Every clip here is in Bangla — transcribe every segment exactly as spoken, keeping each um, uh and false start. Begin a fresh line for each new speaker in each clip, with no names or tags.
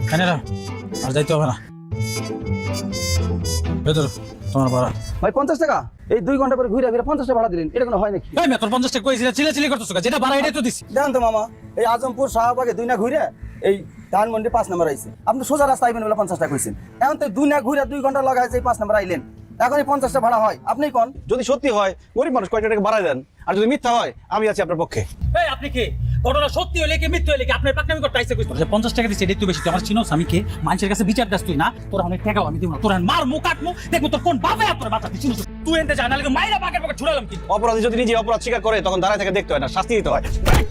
এনে না আর যাইতে হবে না ভেতর তোমার ভাড়া
ভাই পঞ্চাশ টাকা এই দুই ঘন্টা পরে ঘুরে ফিরে পঞ্চাশ টাকা ভাড়া দিলেন, এটা কোনো হয় নাকি?
এই মেয়ে তোর পঞ্চাশ টাকা কইছিস চিলে চিলি করতেছ যেটা ভাড়া এটাই তো দিছি।
দেখেন তো মামা, এই আজমপুর শাহবাগে দুই না ঘুরে এই ধানমন্ডি পাঁচ নম্বর আইছে, আপনি সোজা রাস্তা আইবেন বলে পঞ্চাশ টাকা কইছেন, এখন তো দুই না ঘুরে দুই ঘন্টা লাগাইছে এই পাঁচ নম্বর আইলেন, এখন এই পঞ্চাশটা ভাড়া হয়? আপনি কোন?
যদি সত্যি হয় গরিব মানুষ কয়টা টাকা বাড়ায় দেন, আর যদি মিথ্যা হয় আমি আছি আপনার পক্ষে।
এই আপনি কি ঘটনা সত্যি হলে কি মিথ্যা হলে কি আপনার পাকনামি করতে আইছে কইছ? পঞ্চাশ টাকা দিছি এটাই তো বেশি। তুই আমার চিনোস আমি কে? মানুষের কাছে বিচার দাস তুই না, তোর অনেক টাকাও আমি দিব না, তোর মার মুখ কাটমু দেখবো তোর কোন বাবা তোর বাচ্চা দিছিস তুই এনতে জানা লাগে মাইরা বাগের বাগে ছুড়ালাম কি।
অপরাধী যদি নিজে অপরাধ স্বীকার করে তখন দাঁড়ায় থেকে দেখতে হয় না, শাস্তি দিতে হয়।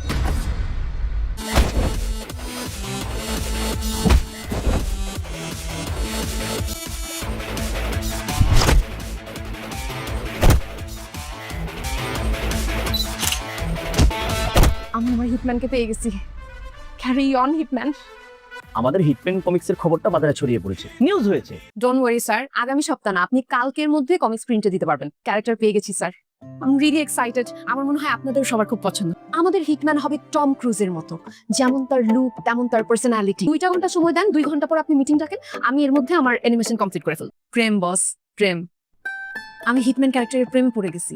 আমি আমার হিটম্যানকে পেয়ে গেছি। Carry on hitman.
আমাদের হিটম্যান কমিক্সের খবরটা বাজারে ছড়িয়ে পড়েছে, নিউজ হয়েছে।
ডোন্ট ওয়ারি স্যার, আগামী সপ্তাহ না, আপনি কালকের মধ্যে কমিক্স প্রিন্টে দিতে পারবেন। ক্যারেক্টার পেয়ে গেছি sir, I am really excited. আমার মনে হয় আপনাদের সবার খুব পছন্দ। আমাদের হিটম্যান হবে টম ক্রুজের মতো, যেমন তার লুক তেমন তার পার্সোনালিটি। দুইটা ঘন্টা সময় দেন, দুই ঘন্টা পর আপনি মিটিং ডাকেন, আমি এর মধ্যে আমার অ্যানিমেশন কমপ্লিট করে ফেলব। প্রেম বস, প্রেম। আমি হিটম্যান ক্যারেক্টারের প্রেমে পড়ে গেছি।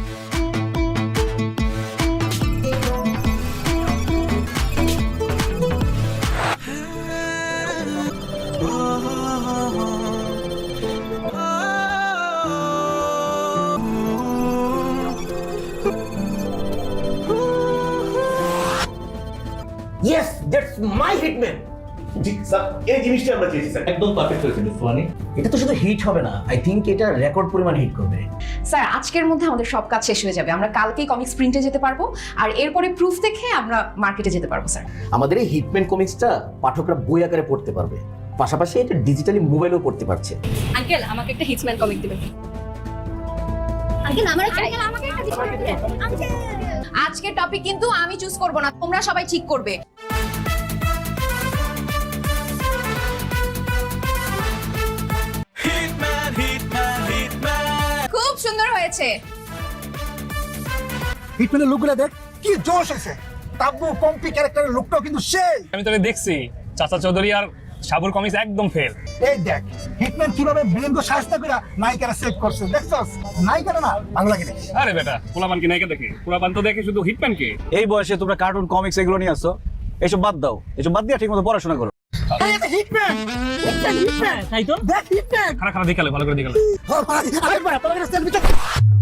Yes, that's my hitman.
জি স্যার, এই জিনিসটা আমরা চেয়েছি স্যার। একদম পারফেক্ট হয়েছে সোহানি।
এটা তো শুধু হিট হবে না, আই থিংক এটা রেকর্ড পরিমাণ হিট করবে।
স্যার আজকের মধ্যে আমাদের সব কাজ শেষ হয়ে যাবে, আমরা কালকেই কমিক্স প্রিন্টে যেতে পারবো, আর এরপরে প্রুফ দেখে আমরা মার্কেটে যেতে পারবো স্যার।
আমাদের এই হিটম্যান কমিক্সটা পাঠকরা বই আকারে পড়তে পারবে, পাশাপাশি এটা ডিজিটালি মোবাইলেও পড়তে পারছে।
আঙ্কেল আমাকে একটা হিটম্যান কমিক দিবেন।
আঙ্কেল আমারও চাই। আঙ্কেল আমাকে একটা দিবেন। আঙ্কেল
আজকের টপিক কিন্তু আমি চুজ করব না, তোমরা সবাই ঠিক করবে। খুব সুন্দর হয়েছে।
হিটম্যানের লুকগুলো দেখ, কি জোশ আছে। তাব্বু কম্পি ক্যারেক্টারের লুকটাও কিন্তু সেই।
আমি তোকে দেখছি চাচা চৌধুরী আর সাবুর কমিক্স একদম ফেল।
এই দেখ হিটম্যান কিভাবে ব্রেনকে শাস্তি করে নায়িকারা সেভ করছে, দেখছস? নায়িকারা না বাংলাকে দেখি।
আরে বেটা পোলাপান কি নায়িকা দেখে? পোলাপান তো দেখে শুধু হিটম্যান কে।
এই বয়সে তোমরা কার্টুন কমিক্স এগুলো নিয়ে আসছো, এসব বাদ দাও, এসব বাদ দিয়ে ঠিকমতো পড়াশোনা করো।
এই এটা হিটম্যান, হিটম্যান, হিটম্যান।
তাই তো
দেখ হিটম্যান।
খারাপ খারাপ দেখালে ভালো করে দেখালে।
আরে ভাই তোর কাছে সেলফি তো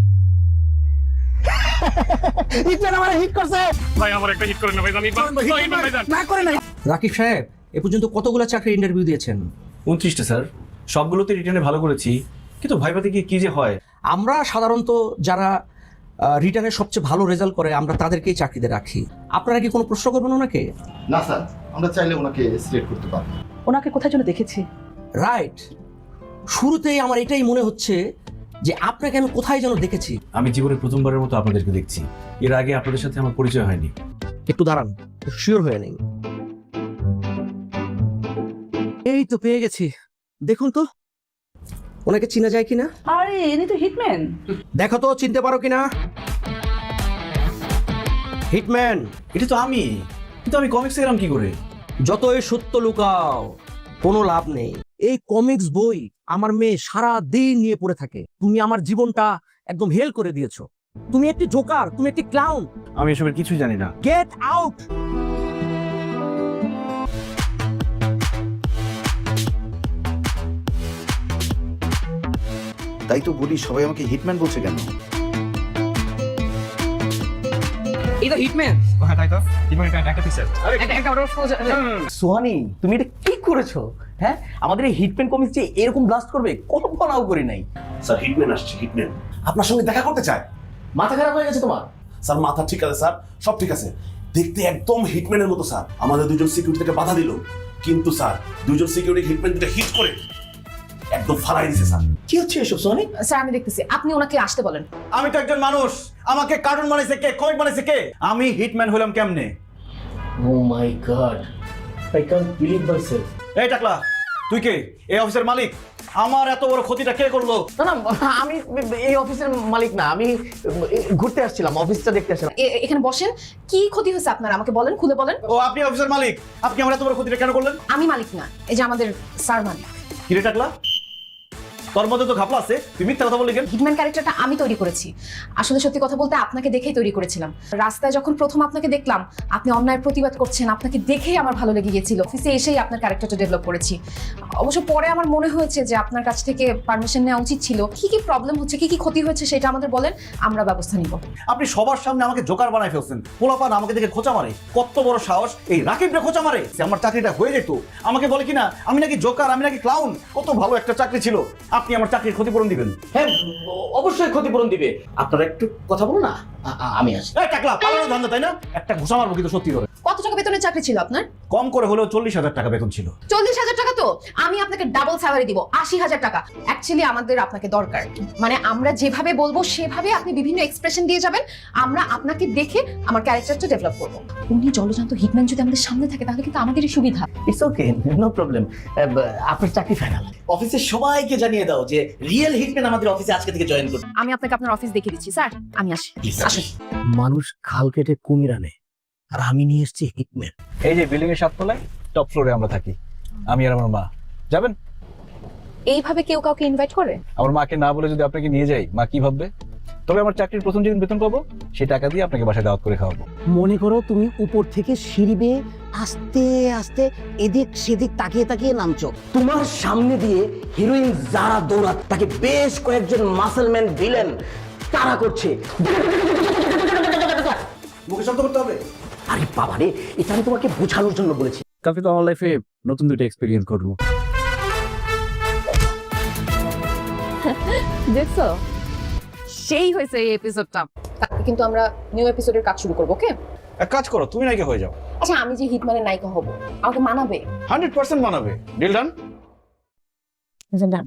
হিটম্যান আমারে হিট করছে।
ভাই আমার একটা হিট করে না ভাই, আমি হিটম্যান ভাই জান
না করে না।
রাকিব সাহেব এ পর্যন্ত কতগুলো চাকরির ইন্টারভিউ দিয়েছেন?
উনত্রিশটা স্যার, সবগুলোতে রিটার্নে ভালো করেছি, কিন্তু ভাইবাতে গিয়ে কি যে হয়।
আমরা সাধারণত যারা রিটার্নে সবচেয়ে ভালো রেজাল্ট করে আমরা তাদেরকেই চাকরিতে রাখি। আপনারা কি কোনো প্রশ্ন করবেন ওনাকে?
না স্যার, আমরা চাইলে ওনাকে সিলেক্ট করতে পারবো।
ওনাকে কোথায় যেন দেখেছি।
রাইট, শুরুতেই আমার এটাই মনে হচ্ছে যে আপনাকে আমি কোথায় যেন দেখেছি।
আমি জীবনে প্রথমবারের মতো আপনাদেরকে দেখছি, এর আগে আপনাদের সাথে আমার পরিচয় হয়নি।
একটু দাঁড়ান, শিওর হয়ে নেই। এই তো পেয়ে গেছি, দেখুন তো ওনাকে চিনা যায় কিনা।
আরে ইনি তো হিটম্যান।
দেখো তো চিনতে পারো কিনা। হিটম্যান,
এটা তো আমি, কিন্তু আমি কমিক্স এরাম কি করে?
যতই সত্য লুকাও কোনো লাভ নেই। এই কমিক্স বই আমার মেয়ে সারা দিন নিয়ে পড়ে থাকে। তুমি আমার জীবনটা একদম হেল করে দিয়েছো। তুমি একটি জোকার, তুমি একটি ক্লাউন।
আমি এসবের কিছুই জানি না।
Get out.
তাই তো বলি সবাই আমাকে হিটম্যান বলছে কেন?
এটা হিটম্যান।
হ্যাঁ তাই তো হিটম্যান একটা পিকচার। আরে
সোহানি তুমি এটা কি করেছো? হ্যাঁ, আমাদের এই হিটম্যান কমিক্স যে এরকম ব্লাস্ট করবে কল্পনাও করি নাই।
স্যার হিটম্যান আসছে, হিটম্যান আপনার সঙ্গে দেখা করতে চায়।
মাথা খারাপ হয়ে গেছে তোমার?
স্যার মাথা ঠিক আছে স্যার, সব ঠিক আছে, দেখতে একদম হিটম্যানের মতো স্যার। আমাদের দুজন সিকিউরিটি থেকে বাধা দিল, কিন্তু স্যার দুজন সিকিউরিটি হিটম্যান দুটো হিট করে একদম ফালাই দিছে স্যার।
কি হচ্ছে এসব সোহানি?
স্যার আমি দেখতেছি, আপনি ওনাকে আসতে বলেন।
আমি তো একজন মানুষ, আমাকে কার্টুন বানাইছে কে, কমিক বানাইছে কে? আমি হিটম্যান হলাম কেমনে?
Oh my god, I can't believe myself.
এই টাকলা, তুই কে? এই অফিসের মালিক? আমার এত বড় ক্ষতিটা কে করলো?
না না, আমি এই অফিসের মালিক না, আমি ঘুরতে আসছিলাম, অফিসটা দেখতে আসছিলাম।
এ- এখানে বসেন, কি ক্ষতি হয়েছে আপনার আমাকে বলেন, খুলে বলেন।
ও আপনি অফিসের মালিক, আপনি আমার এত বড় ক্ষতিটা কেন করলেন?
আমি মালিক না, এই যে আমাদের স্যার মালিক।
কিরে টাকলা, তোর মধ্যে তো ঘাপলা আছে, তুই মিথ্যা কথা বললি কেন?
হিটম্যান ক্যারেক্টারটা আমি তৈরি করেছি। আসলে সত্যি কথা বলতে আপনাকে দেখেই তৈরি করেছিলাম। রাস্তায় যখন প্রথম আপনাকে দেখলাম, আপনি অন্যায়ের প্রতিবাদ করছেন, আপনাকে দেখেই আমার ভালো লেগে গিয়েছিল। অফিসে এসেই আপনার ক্যারেক্টারটা ডেভেলপ করেছি। অবশ্য পরে আমার মনে হয়েছে যে আপনার কাছ থেকে পারমিশন নেওয়া উচিত ছিল। কি কি প্রবলেম হচ্ছে, কি কি ক্ষতি হচ্ছে সেটা আমাদের বলেন, আমরা ব্যবস্থা নিব।
আপনি সবার সামনে আমাকে জোকার বানাই ফেলছেন। পোলাপান আমাকে দেখে খোঁচা মারে, কত বড় সাহস এই রাকিবরে খোঁচা মারে। সে আমার চাকরিটা হয়ে যেত, আমাকে বলে কিনা আমি নাকি জোকার, আমি নাকি ক্লাউন। কত ভালো একটা চাকরি ছিল, আপনি আমার চাকরির ক্ষতিপূরণ দিবেন।
হ্যাঁ, অবশ্যই ক্ষতিপূরণ দিবে। আপনারা একটু কথা বলুন না, আ- আ- আমি আসি।
এই টাকলা, পালানো ধান্দা তাই না? একটা ঘুষা মারবো কিন্তু সত্যি করে।
কত টাকা বেতনের চাকরি ছিল আপনার?
কম করে হলেও চল্লিশ হাজার টাকা বেতন ছিল।
চল্লিশ হাজার টাকা তো আমি আপনাকে ডাবল স্যালারি দিব, আশি হাজার টাকা। অ্যাকচুয়ালি আমাদের আপনাকে দরকার, মানে আমরা যেভাবে বলবো সেভাবে আপনি বিভিন্ন এক্সপ্রেশন দিয়ে যাবেন। আমরা আপনাকে দেখে আমার ক্যারেক্টারটা ডেভেলপ করবো। উনি জলজান্ত হিটম্যান যদি আমাদের সামনে থাকে তাহলে কিন্তু আমাদেরই সুবিধা।
It's okay, no problem. আপনার চাকরি ফাইনাল। অফিসের সবাইকে জানিয়ে দাও যে রিয়েল হিটম্যান আমাদের অফিসে আজকে থেকে জয়েন করবে।
আমি আপনাকে আপনার অফিস দেখিয়ে দিচ্ছি স্যার, আমি আসি। আসুন।
মানুষ খাল কেটে কুমির আনে, আর আমি নিয়ে এসেছি হিটম্যান।
এই যে বিল্ডিং এর সাততলায় টপ ফ্লোরে আমরা থাকি, আমি আর আমার মা। যাবেন?
এইভাবে কেউ কাউকে ইনভাইট করে?
আমার মাকে না বলে যদি আপনাকে নিয়ে যাই, মা কি ভাববে? তবে আমার চাকরির প্রথম যেদিন বেতন পাবো সেই টাকা দিয়ে আপনাকে বাসায় দাওয়াত করে খাওয়াবো।
মনে করো তুমি উপর থেকে সিঁড়ি বেয়ে আস্তে আস্তে এদিক সেদিক তাকিয়ে তাকিয়ে নামছো। তোমার সামনে দিয়ে হিরোইন যারা দৌড়াত, তাকে বেশ কয়েকজন মাসলম্যান ভিলেন তাড়া করছে।
মুখে শব্দ করতে হবে?
আরে বাবারে, এটা আমি তোমাকে বোঝানোর জন্য বলেছি।
কালকে তো আমার লাইফে নতুন দুটো এক্সপেরিয়েন্স করবো।
দেখছো, সেই হয়েছে এই এপিসোডটা। কিন্তু আমরা নিউ এপিসোডের কাজ শুরু করবো, ওকে?
এক কাজ করো, তুমি নায়িকা হয়ে যাও।
আচ্ছা, আমি যে হিটম্যানের নায়িকা হব, আমাকে মানাবে?
হান্ড্রেড পার্সেন্ট মানাবে। Deal done?
ডান।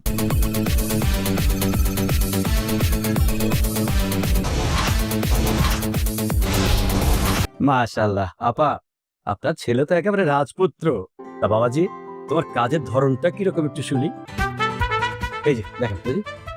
মাশাআল্লাহ আপা, আপনার ছেলে তো একেবারে রাজপুত্র। তা বাবাজি, তোমার কাজের ধরনটা কিরকম একটু শুনি। এই যে দেখেন, এই যে।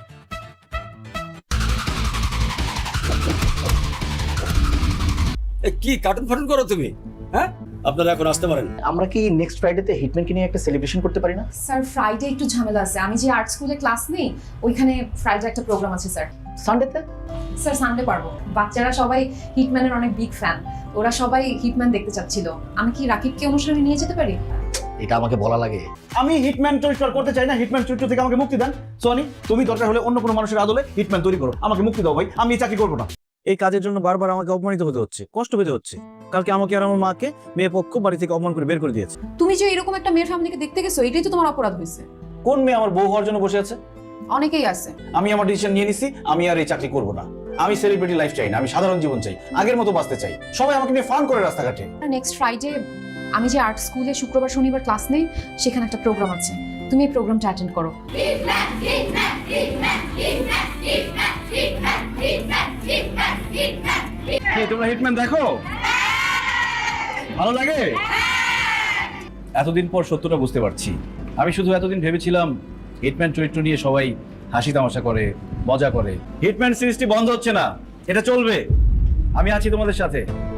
কি কার্টুন ফাটুন করো তুমি? হ্যাঁ, আপনারা এখন আসতে পারেন। আমরা কি নেক্সট ফ্রাইডেতে হিটম্যানকে নিয়ে একটা সেলিব্রেশন করতে পারি না?
স্যার, ফ্রাইডে একটু ঝামেলা আছে। আমি যে আর্ট স্কুলে ক্লাস নেই, ওইখানে ফ্রাইডে একটা প্রোগ্রাম আছে স্যার।
সানডেতে?
স্যার, সানডে পারবো। বাচ্চারা সবাই হিটম্যানের অনেক বিগ ফ্যান, ওরা সবাই হিটম্যান দেখতে চাচ্ছিল। আমি কি রাকিবকে অনুষ্ঠানে নিয়ে যেতে পারি?
এটা আমাকে বলা লাগে?
আমি হিটম্যান চরিত্র করতে চাই না। হিটম্যান চরিত্র থেকে আমাকে মুক্তি দেন। সোনি, তুমি দরকার হলে অন্য কোনো মানুষের আদলে হিটম্যান তৈরি করো, আমাকে মুক্তি দাও ভাই। আমি এই চাকরি করবো না।
এই কাজের জন্য বারবার আমাকে অপমানিত হতে হচ্ছে, কষ্ট পেতে হচ্ছে। কালকে আমাকে আর আমার মাকে মেয়ে পক্ষ বাড়ি থেকে অপমান করে বের করে দিয়েছে।
তুমি যে এরকম একটা মেয়ের ফ্যামিলিকে দেখতে গেছো, এটাই তো তোমার অপরাধ হয়েছে।
কোন মেয়ে আমার বউ হওয়ার জন্য বসে আছে?
অনেকেই আছে।
আমি আমার ডিসিশন নিয়ে নিছি, আমি আর এই চাকরি করবো না। আমি সেলিব্রিটি লাইফ চাই না, আমি সাধারণ জীবন চাই, আগের মতো বাঁচতে চাই। সবাই আমাকে নিয়ে ফান করে রাস্তাঘাটে।
নেক্সট ফ্রাইডে আমি যে আর্ট স্কুলে শুক্রবার শনিবার ক্লাস নেই, সেখানে একটা প্রোগ্রাম আছে। তুমি এই প্রোগ্রামটা অ্যাটেন্ড করো।
তোমরা হিটম্যান দেখো? ভালো লাগে?
এতদিন পর সত্যটা বুঝতে পারছি। আমি শুধু এতদিন ভেবেছিলাম হিটম্যান চরিত্র নিয়ে সবাই হাসি তামাশা করে, মজা করে।
হিটম্যান সিরিজটি বন্ধ হচ্ছে না, এটা চলবে। আমি আছি তোমাদের সাথে।